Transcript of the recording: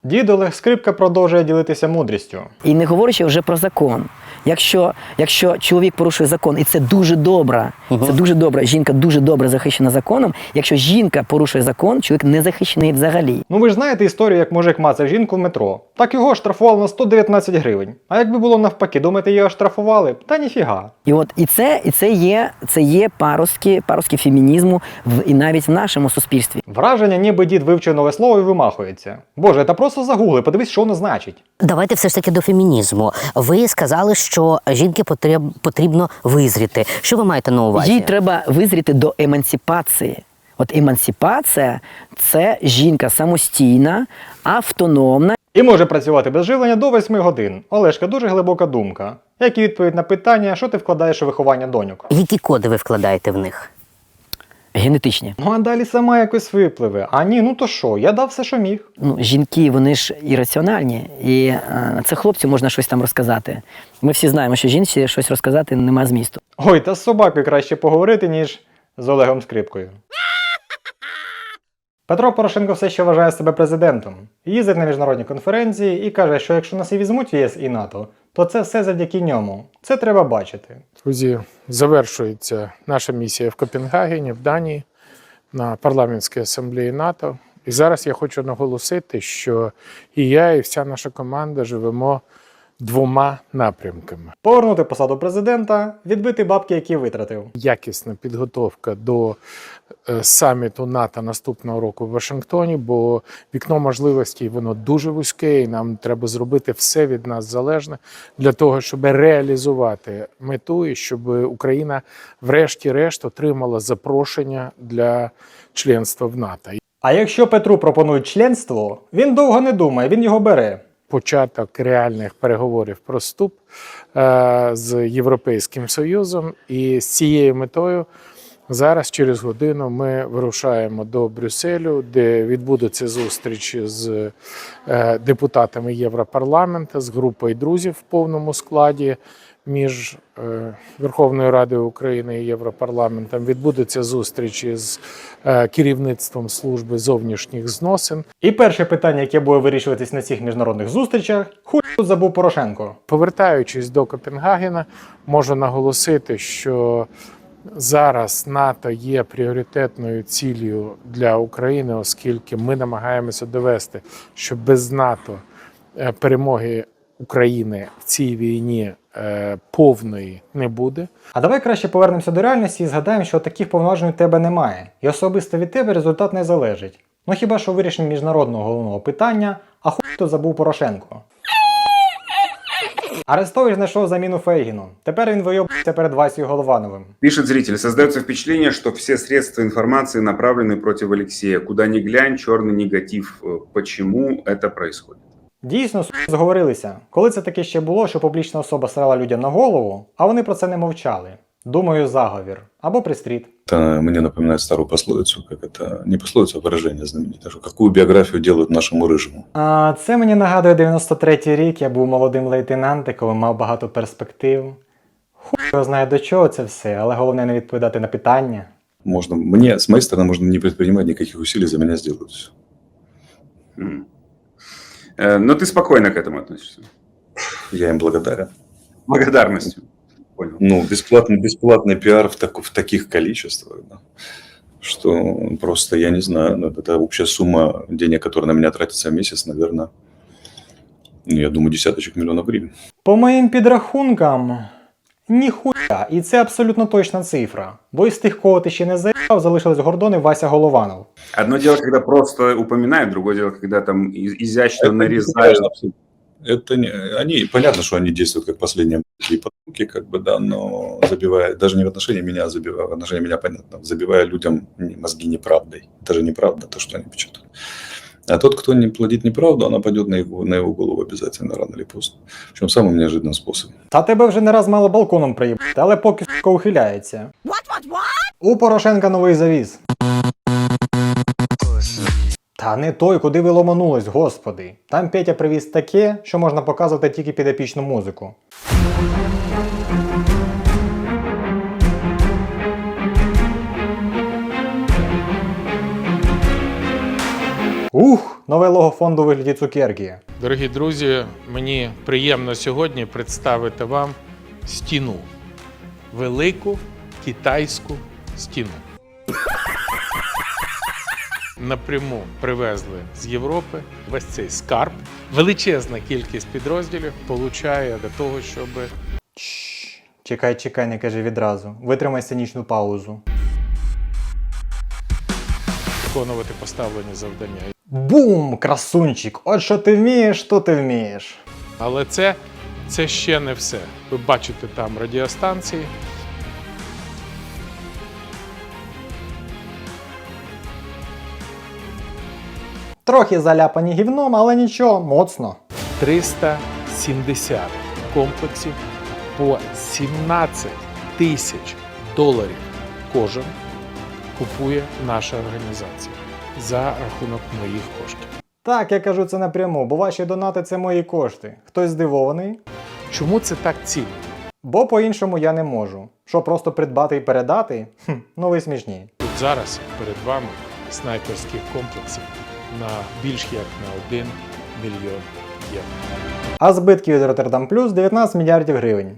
Дід Олег Скрипка продовжує ділитися мудрістю. І не говорячи вже про закон. Якщо чоловік порушує закон, і це дуже добре, це дуже добре, жінка дуже добре захищена законом, якщо жінка порушує закон, чоловік не захищений взагалі. Ну ви ж знаєте історію, як мужик мацав жінку в метро. Так його штрафували на 119 гривень. А якби було навпаки, думаєте, його штрафували? Та ніфіга. І це є паростки фемінізму і навіть в нашому суспільстві. Враження, ніби дід вивчив нове слово і вимахується. Боже, та просто загугли, подивись, що воно значить. Давайте все ж таки до фемінізму. Ви сказали, що жінки потрібно визріти. Що ви маєте на увазі? Їй треба визріти до емансипації. От емансипація – це жінка самостійна, автономна. І може працювати без живлення до 8 годин. Олешка, дуже глибока думка. Як і відповідь на питання, що ти вкладаєш у виховання доньок? Які коди ви вкладаєте в них? Генетичні. Ну а далі сама якось випливе. А ні, ну то що, я дав все, що міг. Ну, жінки, вони ж ірраціональні, і це хлопцю можна щось там розказати. Ми всі знаємо, що жінці щось розказати нема змісту. Ой, та з собакою краще поговорити, ніж з Олегом Скрипкою. Петро Порошенко все ще вважає себе президентом. Їздить на міжнародні конференції і каже, що якщо нас і візьмуть в ЄС і НАТО, то це все завдяки ньому. Це треба бачити. Друзі, завершується наша місія в Копенгагені, в Данії, на парламентській асамблеї НАТО. І зараз я хочу наголосити, що і я, і вся наша команда живемо двома напрямками. Повернути посаду президента, відбити бабки, які витратив. Якісна підготовка до саміту НАТО наступного року в Вашингтоні, бо вікно можливостей воно дуже вузьке, і нам треба зробити все від нас залежне для того, щоб реалізувати мету і щоб Україна врешті-решт отримала запрошення для членства в НАТО. А якщо Петру пропонують членство, він довго не думає, він його бере. Початок реальних переговорів про вступ з Європейським Союзом, і з цією метою зараз через годину ми вирушаємо до Брюсселю, де відбудеться зустріч з депутатами Європарламенту, з групою друзів в повному складі між Верховною Радою України і Європарламентом. Відбудеться зустріч із керівництвом служби зовнішніх зносин. І перше питання, яке буде вирішуватись на цих міжнародних зустрічах, хуй тут забув Порошенко. Повертаючись до Копенгагена, можу наголосити, що зараз НАТО є пріоритетною ціллю для України, оскільки ми намагаємося довести, що без НАТО перемоги України в цій війні повної не буде. А давай краще повернемося до реальності і згадаємо, що таких повноважень у тебе немає. І особисто від тебе результат не залежить. Ну хіба що вирішення міжнародного головного питання, а хуй тут забув Порошенко. Арестович знайшов заміну Фейгіну. Тепер він вийобується перед Васею Головановим. Пишет зритель, создается впечатление, что все средства информации направлены против Алексея. Куда ни глянь, черный негатив. Почему это происходит? Дійсно, зговорилися. Коли це таке ще було, що публічна особа срала людям на голову, а вони про це не мовчали. Думаю, заговір. Або пристріт. Это мне напоминает старую пословицу, как это, не пословицу, а выражение знаменитое, что какую биографию делают нашему рыжему. А це мені нагадує 93-й рік, я був молодим лейтенантиком, мав багато перспектив. Хуй його знає до чого це все, але головне не відповідати на питання. Можно, мне, с моей стороны, можно не предпринимать никаких усилий, за меня сделают все. Но ты спокойно к этому относишься? Я им благодарен. Благодарностью. Понял. Ну, бесплатный пиар в таких количествах, да, что просто, я не знаю, ну, это общая сумма денег, которая на меня тратится в месяц, наверное, ну, я думаю, десяточек миллионов гривен. По моїм підрахункам, ніхуя, і це абсолютно точна цифра. Бо із тих, кого ти ще не заїбав, залишились Гордон і Вася Голованов. Одно дело, когда просто упоминают, другое дело, когда там изящно нарезают. Это не, они, понятно, что они действуют как последние потомки, как бы, да, но забивая, даже не в отношении меня, забивая, в отношении меня, понятно, забивая людям мозги неправдой. Это же неправда, то, что они печатают. А тот, кто не плодит неправду, она пойдет на его голову обязательно, рано или поздно. Причем самым неожиданным способом. Та тебе вже не раз мало балконом приїбати, але поки сука ухиляється. У Порошенка новий завіз. Та не той, куди ви ломанулись, господи. Там Петя привіз таке, що можна показувати тільки під епічну музику. Ух, нове лого фонду у вигляді цукерки. Дорогі друзі, мені приємно сьогодні представити вам стіну. Велику китайську стіну. Напряму привезли з Європи весь цей скарб. Величезна кількість підрозділів получає для того, щоб Чекай, не кажи відразу. Витримай сценічну паузу. виконувати поставлені завдання. Бум! Красунчик! От що ти вмієш, то ти вмієш. Але це ще не все. Ви бачите там радіостанції. Трохи заляпані гівном, але нічого, моцно. 370 комплексів по 17 тисяч доларів кожен купує наша організація за рахунок моїх коштів. Так, я кажу це напряму, бо ваші донати – це мої кошти. Хтось здивований? Чому це так цінно? Бо по-іншому я не можу. Що, просто придбати і передати? Ну ви смішні. Тут зараз перед вами снайперських комплексів на більш як на 1 мільйон євро. А збитки від Роттердам Плюс 19 мільярдів гривень.